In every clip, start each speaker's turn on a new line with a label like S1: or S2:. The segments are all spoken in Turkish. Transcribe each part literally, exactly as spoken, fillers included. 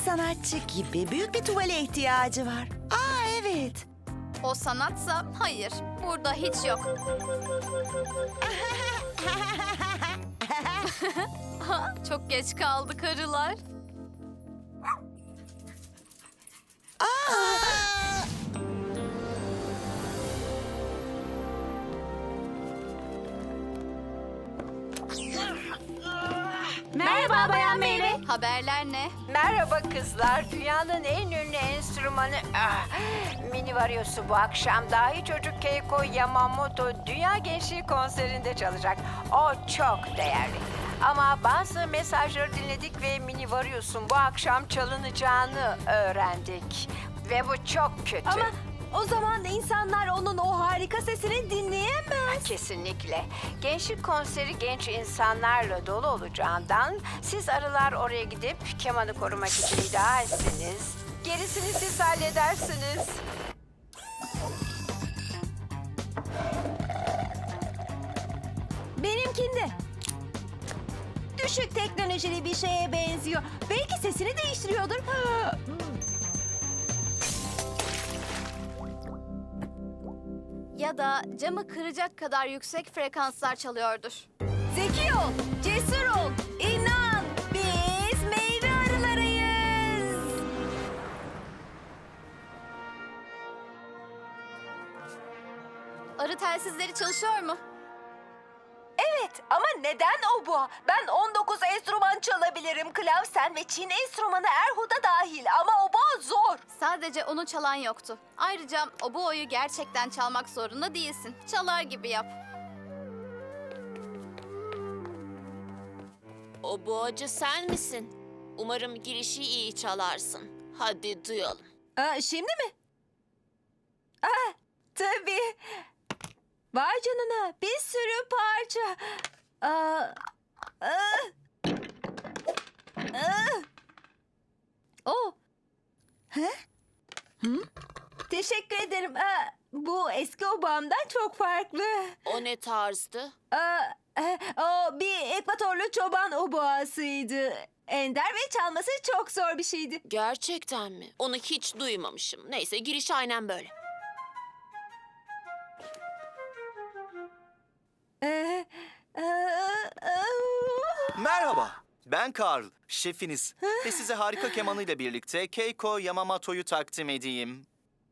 S1: sanatçı gibi büyük bir tuvale ihtiyacı var. Aa evet.
S2: O sanatsa hayır. Burada hiç yok. Çok geç kaldık arılar.
S3: Merhaba Bayan Meyve.
S2: Haberler ne?
S3: Merhaba kızlar. Dünyanın en ünlü enstrümanı ah, Mini Variosu bu akşam dahi çocuk Keiko Yamamoto Dünya Gençliği konserinde çalacak. O çok değerli. Ama bazı mesajları dinledik ve Mini Varios'un bu akşam çalınacağını öğrendik. Ve bu çok kötü.
S4: Ama o zaman insanlar onun o harika sesini dinleyemez.
S3: Kesinlikle. Gençlik konseri genç insanlarla dolu olacağından siz arılar oraya gidip kemanı korumak için iddia etsiniz. Gerisini siz halledersiniz.
S4: Benimkinde. Düşük teknolojili bir şeye benziyor. Belki sesini değiştiriyordur.
S2: Ya da camı kıracak kadar yüksek frekanslar çalıyordur.
S4: Zeki ol, cesur ol, inan. Biz meyve arılarıyız.
S2: Arı telsizleri çalışıyor mu?
S4: Evet ama neden o bu? Ben on dokuz enstrüman çalabilirim. Klavsen ve Çin enstrümanı erhuda dahil ama oboa zor.
S2: Sadece onu çalan yoktu. Ayrıca o bu oyu gerçekten çalmak zorunda değilsin. Çalar gibi yap.
S5: O boğacı sen misin? Umarım girişi iyi çalarsın. Hadi duyalım.
S4: Aa, şimdi mi? Aa, tabii. Vay canına bir sürü parça. Aa, aa, aa. Oh. He? Hı? Teşekkür ederim. Aa, bu eski obamdan çok farklı.
S5: O ne tarzdı?
S4: Aa, e, o bir ekvatorlu çoban oboasıydı. Ender ve çalması çok zor bir şeydi.
S5: Gerçekten mi? Onu hiç duymamışım. Neyse giriş aynen böyle.
S4: Ee, e, e,
S6: Merhaba, ben Carl, şefiniz. Ve size harika kemanıyla birlikte Keiko Yamamoto'yu takdim edeyim.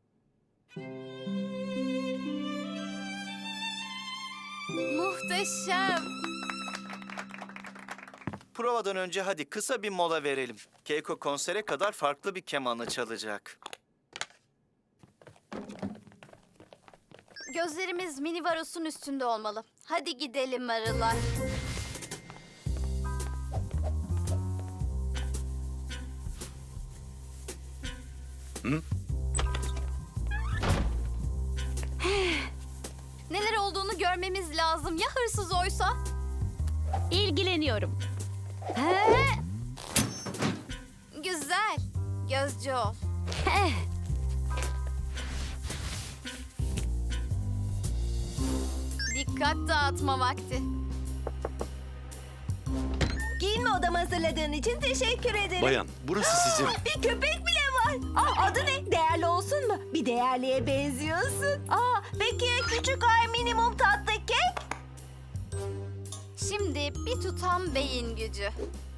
S2: Muhteşem.
S6: Provadan önce hadi kısa bir mola verelim. Keiko konsere kadar farklı bir kemanı çalacak.
S2: Gözlerimiz Mini Varos'un üstünde olmalı. Hadi gidelim arılar. Neler olduğunu görmemiz lazım. Ya hırsız oysa?
S4: İlgileniyorum.
S2: Güzel. Gözcü ol. Dikkat dağıtma vakti.
S4: Giyinme odamı hazırladığın için teşekkür ederim.
S7: Bayan, burası sizin.
S4: Bir köpek bile var. Aa, adı ne? Değerli olsun mu? Bir değerliye benziyorsun. Aa, peki ya küçük ay minimum tatlı kek?
S2: Şimdi bir tutam beyin gücü.